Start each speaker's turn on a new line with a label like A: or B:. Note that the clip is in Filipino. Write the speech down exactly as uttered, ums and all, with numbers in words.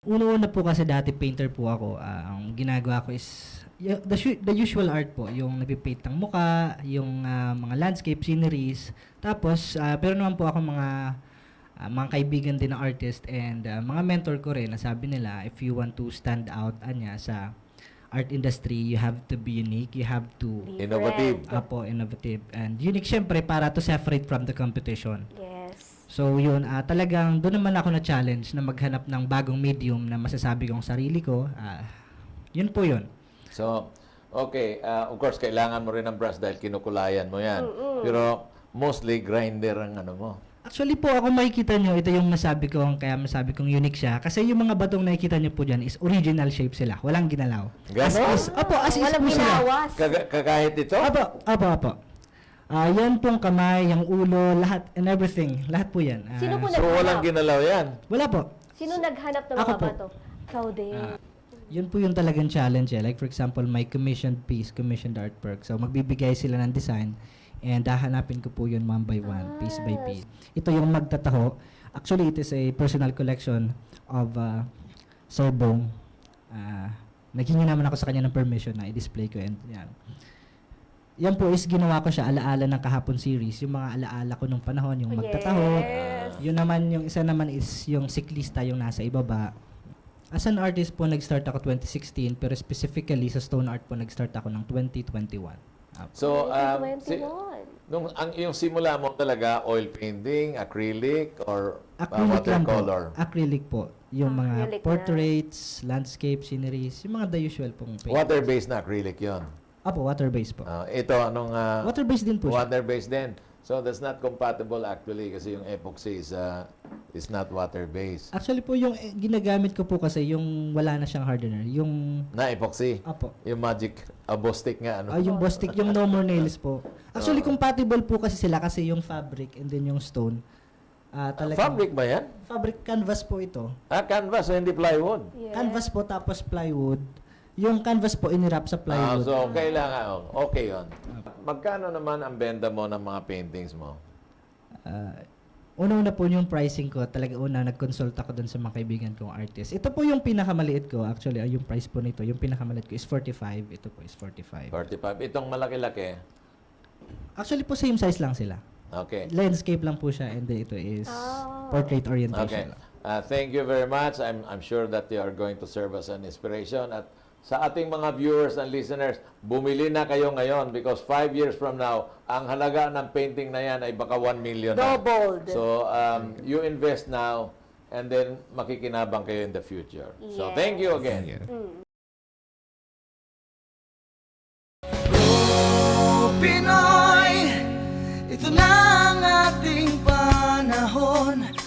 A: Una-una po kasi dati painter po ako. Ah, ang ginagawa ko is y- the, su- the usual art po, yung nagpipaint ng muka, yung ah, mga landscape sceneries. Tapos, ah, pero naman po ako mga ah, mga kaibigan din na artist and ah, mga mentor ko rin na sabi nila, if you want to stand out anya sa art industry, you have to be unique, you have to
B: Innovative.
A: apo innovative and unique syempre para to separate from the competition.
C: Yes.
A: So yun, ah, talagang doon naman ako na challenge na maghanap ng bagong medium na masasabi kong sarili ko. Ah, yun po yun.
B: So, okay. Uh, of course, kailangan mo rin ng brush dahil kinukulayan mo yan. Pero mostly grinder ang ano mo.
A: Actually po, ako makikita nyo, ito yung masabi ko, kaya masabi kong unique siya. Kasi yung mga batong nakikita nyo po dyan is original shape sila. Walang ginalaw. As
B: Ganon?
A: is, opo, as is
C: Walang
A: po sila.
C: ginawas.
B: Kaga- Kakahit ito?
A: Opo, opo, opo. Ah, yan pong kamay, yung ulo, lahat and everything. Lahat po yan. Ah,
C: Sino po
B: So, walang
C: naghanap?
B: ginalaw yan.
A: Wala po.
C: Sino naghanap ng
A: Ako
C: mga
A: po.
C: bato? Ikaw din.
A: Ah, yun po yung talagang challenge eh. Like for example, my commissioned piece, commissioned artwork. So magbibigay sila ng design and hahanapin ko po yun one by one, piece by piece. Ito yung magtataho. Actually, it is a personal collection of uh, Sir Bong. Uh, naghingi naman ako sa kanya ng permission na i-display ko and yan. Yan po is ginawa ko siya alaala ng kahapon series, yung mga alaala ko nung panahon, yung magtataho.
C: Yes.
A: Yun naman, yung isa naman is yung siklista, yung nasa ibaba. As an artist po, nag-start ako twenty sixteen, pero specifically sa stone art po, nag-start ako ng twenty twenty-one. Ah,
B: So, um, si,
C: twenty twenty-one.
B: nung, ang, yung simula mo talaga, oil painting, acrylic, or uh,
A: acrylic lang po.
B: watercolor?
A: Acrylic po. Yung mga
C: Acrylic na.
A: portraits, landscape, sceneries, yung mga the usual pong paint.
B: Water-based na acrylic yon.
A: Apo, water-based po.
B: Uh, ito, anong... Uh,
A: Water-based din po siya.
B: Water-based din. So, that's not compatible actually kasi yung epoxy is, uh, is not water-based.
A: Actually po, yung eh, ginagamit ko po kasi yung wala na siyang hardener. Yung,
B: Na epoxy.
A: apo,
B: Yung magic uh, Bostik nga, ano?
A: ah, yung Bostik, yung no more nails po. Actually,
B: Oo.
A: compatible po kasi sila kasi yung fabric and then yung stone. Ah, talagang-
B: Fabric ba yan?
A: Fabric canvas po ito.
B: Ah, canvas, so hindi plywood.
C: Yes.
A: Canvas po tapos plywood. Yung canvas po inirap sa
B: Ah,
A: plywood.
B: so, kailangan, oh, okay yon. Magkano naman ang benta mo ng mga paintings mo?
A: Ah, una-una po yung pricing ko, talaga una nag-consult ako dun sa mga kaibigan kong artist. Ito po yung pinakamaliit ko, actually, ay yung price po nito, yung pinakamaliit ko is forty-five, ito po is forty-five.
B: forty-five. Itong malaki-laki.
A: Actually po same size lang sila.
B: Okay.
A: Landscape lang po siya and then ito is
C: Ah.
A: portrait
B: Okay.
A: orientation.
B: Uh, thank you very much. I'm, I'm sure that you are going to serve as an inspiration. At sa ating mga viewers and listeners, bumili na kayo ngayon because five years from now, ang halaga ng painting na yan ay baka one million na.
C: Doubled.
B: So, um, you invest now and then makikinabang kayo in the future. So,
C: Yes.
B: thank you again.
C: Mm.
D: Go Pinoy, ito na ang ating panahon.